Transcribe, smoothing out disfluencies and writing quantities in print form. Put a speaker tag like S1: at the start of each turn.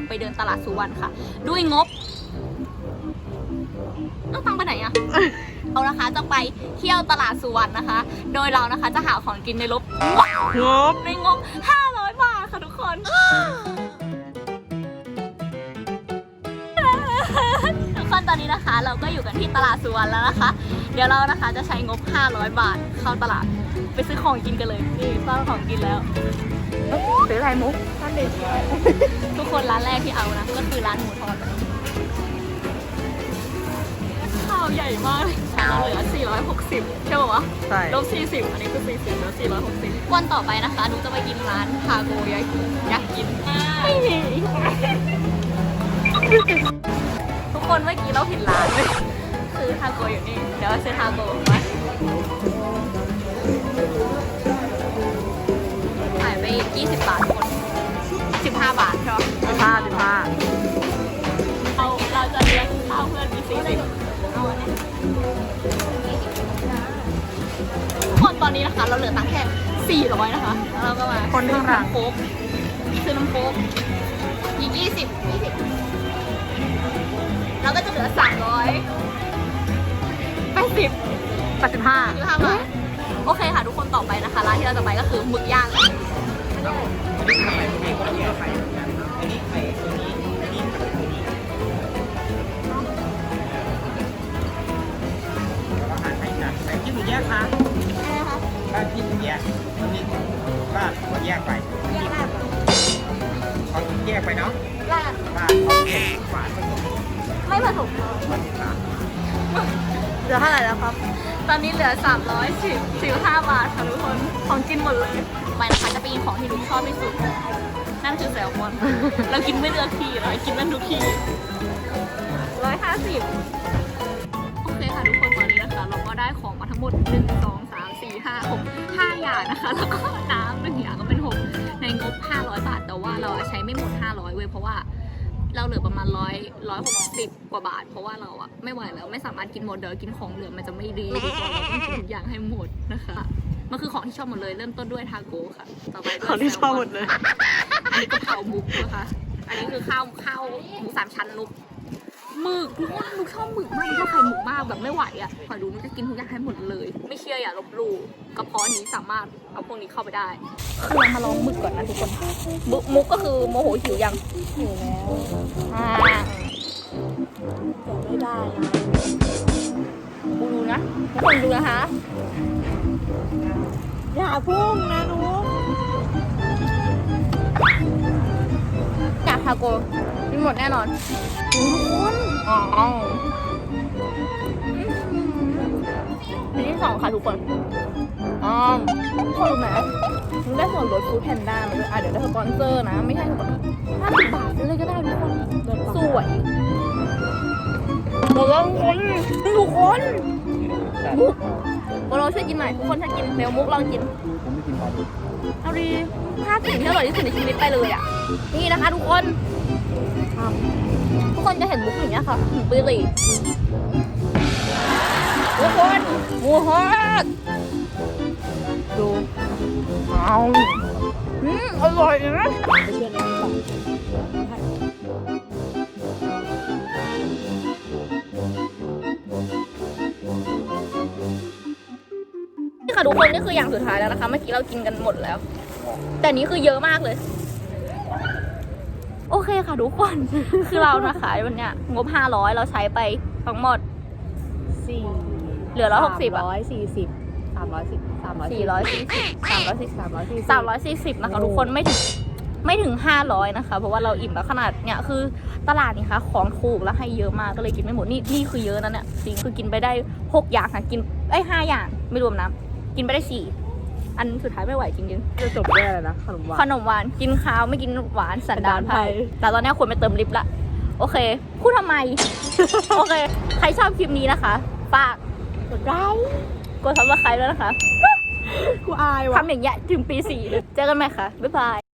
S1: ไปเดินตลาดสุวรรณค่ะด้วยงบต้องตังไปไหนอะเรานะคะจะไปเที่ยวตลาดสุวรรณนะคะโดยเรานะคะจะหาของกินในงบ500 บาทค่ะทุกคนทุกคนตอนนี้นะคะเราก็อยู่กันที่ตลาดสุวรรณแล้วนะคะเดี๋ยวเรานะคะจะใช้งบ500 บาทเข้าตลาดไปซื้อของกินกันเลยนี่ซื้อของกินแล้วซื้ออะไรมุกท่านเด็กทุกคนร้านแรกที่เอานะก็คือร้านหมูทอดข้าวใหญ่มากเราเหลือ460ใช่ป่าวะใช่ลบ40อันนี้คือ40แล้ว460วันต่อไปนะคะนุ๊กจะไปกินร้านทาโกยากินทุกคนเมื่อกี้เราผิดร้านเลยคือทาโกอยู่นี่เดี๋ยวซื้อทาโกมาขายไป20 บาททุกคน15 บาทใช่ไหม15เราจะเลี้ยงข้าวเพื่อนกี่40เอาอันนี้ทุกคนตอนนี้นะคะเราเหลือตังค์แค่400นะคะแล้วเราก็มาคนข้างหลังโค้กซื้อน้ำโค้กอีก20เราก็จะเหลือ385 บาทโอเคค่ะทุกคนต่อไปนะคะร้านที่เราจะไปก็คือหมึกย่าง
S2: กินหมูแยกคะบ้านพี่หมูแยกวันนี้บ้านหมูแยกไปเขาแยกไปเนาะบ้านเขาแยกฝาผสม
S1: ไม่ผสมเหลือเท่าไหร่แล้วครับตอนนี้เหลือ315 บาทค่ะทุกคนของกินหมดเลยไปนะคะจะไปกินของที่นุ๊กชอบที่สุดนั่นคือแซลมอนเรากินไม่เลือกที่เลยกินนั่นทุกที่150โอเคค่ะทุกคนตอนนี้นะคะเราก็ได้ของมาทั้งหมด1 2 3 4 5 6 5 อย่างนะคะแล้วก็น้ำ1 อย่างก็เป็น6ในงบ500 บาทแต่ว่าเราใช้ไม่หมด500เว้ยเพราะว่าเราเหลือประมาณ160 กว่าบาทเพราะว่าเราอะไม่ไหวแล้วไม่สามารถกินหมดเดี๋ยวกินของเหลือมันจะไม่ดีทุกคนเราต้องกินทุกอย่างให้หมดนะคะมันคือของที่ชอบหมดเลยเริ่มต้นด้วยทาโก้ค่ะต่อไปด้วยของที่ชอบหมดเลยอันนี้กะเพรามุกนะคะอันนี้คือข้าวหมู3 ชั้นนุกหมึกทุกคนนุกชอบหมึกมากชอบไข่หมึกมากแบบไม่ไหวอะขอดูนุกจะกินทุกอย่างให้หมดเลยไม่เชื่ออย่าลบหลู่กระเพาะนี้สามารถเอาพวกนี้เข้าไปได้คือเรามาลองหมึกก่อนนะทุกคนมุกก็คือโมโหหิวยังหิวแล้วไม่ได้นะดูนะทุกคนดูนะคะอย่าพุ่งนะนุ๊กอยากทาโกกินหมดแน่นอนทุกคนอันที่2ค่ะทุกคนทุกคนรู้ไหมนุ๊กได้ส่วนลดฟู้ดแพนด้ามาด้วยเดี๋ยวได้สปอนเซอร์นะไม่ใช่50 บาทซื้อเลยก็ได้ทุกคนสวยหมดแล้วทุกคนมุกเราช่วยกินหน่อยทุกคนถ้ากินเมลมุกลองกินผมไม่กินปลาดุกเอาดี5 สิ่งที่อร่อยที่สุดในชีวิตไปเลยอ่ะนี่นะคะทุกคนจะเห็นมุกอย่างเงี้ยค่ะหมูปีรีทุกคนหมูฮอตดูอร่อยนะไปเชื่อในนี้ก่อนนี่ค่ะทุกคนนี่คืออย่างสุดท้ายแล้วนะคะเมื่อกี้เรากินกันหมดแล้วแต่นี้คือเยอะมากเลยโอเคค่ะทุกคนคือเรานะคะวันเนี้ยงบ500เราใช้ไปทั้งหมดเหลือ160 340นะคะทุกคนไม่ถึง500นะคะเพราะว่าเราอิ่มแล้วขนาดเนี้ยคือตลาดนี่ค่ะของถูกแล้วให้เยอะมากก็เลยกินไม่หมดนี่คือเยอะนะเนี่ยจริงคือกินไปได้6 อย่างค่ะกิน5 อย่างไม่รวมน้ำกินไปได้4อันสุดท้ายไม่ไหวจริงๆจะจบแย่เลยนะขนมหวานกินข้าวไม่กินหวานสันดานไพแต่ตอนนี้ควรไปเติมลิปละโอเคพูดทำไม โอเคใครชอบคลิปนี้นะคะฝากกดไลค์กดซับสไครป์ด้วยนะคะกูอายว่ะทำอย่างเงี้ยถึงปี 4เจอกันไหมคะบ๊ายบาย